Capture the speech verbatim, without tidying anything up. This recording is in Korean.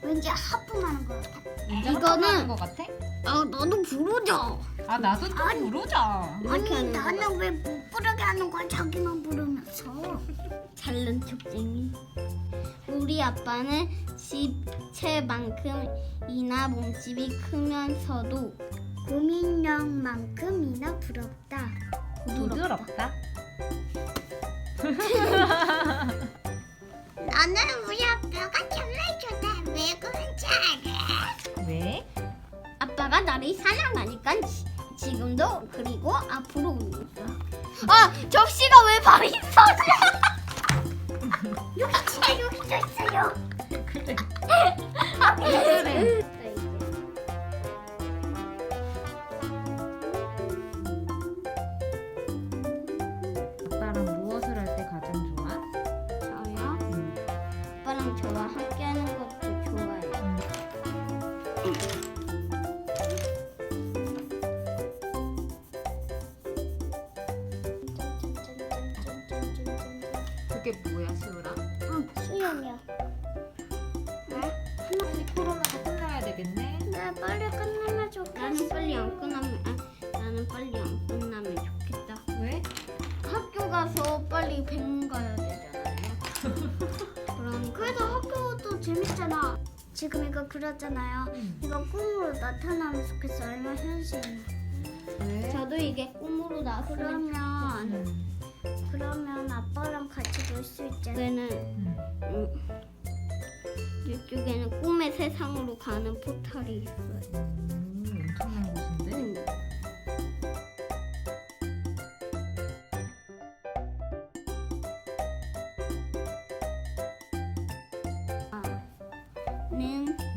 왠지 하품하는 것 같아. 이거는 거 같아? 아 나도 부르자. 아 나도 또 아니. 부르자. 이렇게 아니 하는 거야. 나는 왜 못 부르게 하는 거야? 자기만 부르면서. 잘난 척쟁이. 우리 아빠는 집채만큼이나 몸집이 크면서도 고민형만큼이나 부럽다. 부드럽다. 나는 우리 아빠가 정말 좋다. 왜 그런지 알아? 왜? 아빠가 나를 사랑하니까 지, 지금도 그리고 앞으로 있어. 아 접시가 왜 방에 있어? 여기 진짜 여기도 있어요. 그래. 아 그래. 아빠랑 무엇을 할 때 가장 좋아? 저요? 음. 아빠랑 저와 함께하는 것도 좋아요. 그게 뭐야, 시우라? 응, 수영이야. 빨리 코로나가 끝나야 되겠네. 나 빨리 끝나면 좋겠어. 나는 빨리 안 끝나면 아, 나는 빨리 안 끝나면 좋겠다. 왜? 학교 가서 빨리 병원 가야 되잖아요. 그러니까 그래도 학교도 재밌잖아. 지금 이거 그렸잖아요. 응. 이거 꿈으로 나타나면 좋겠어. 아니면 현실. 왜? 저도 이게 꿈으로 나왔으면 그러면 음. 그러면 아빠랑 같이 놀 수 있잖아. 좋겠는 음. 음, 이쪽에는 꿈의 세상으로 가는 포털이 있어요. 음, 엄청난 곳인데. 음. 아, 는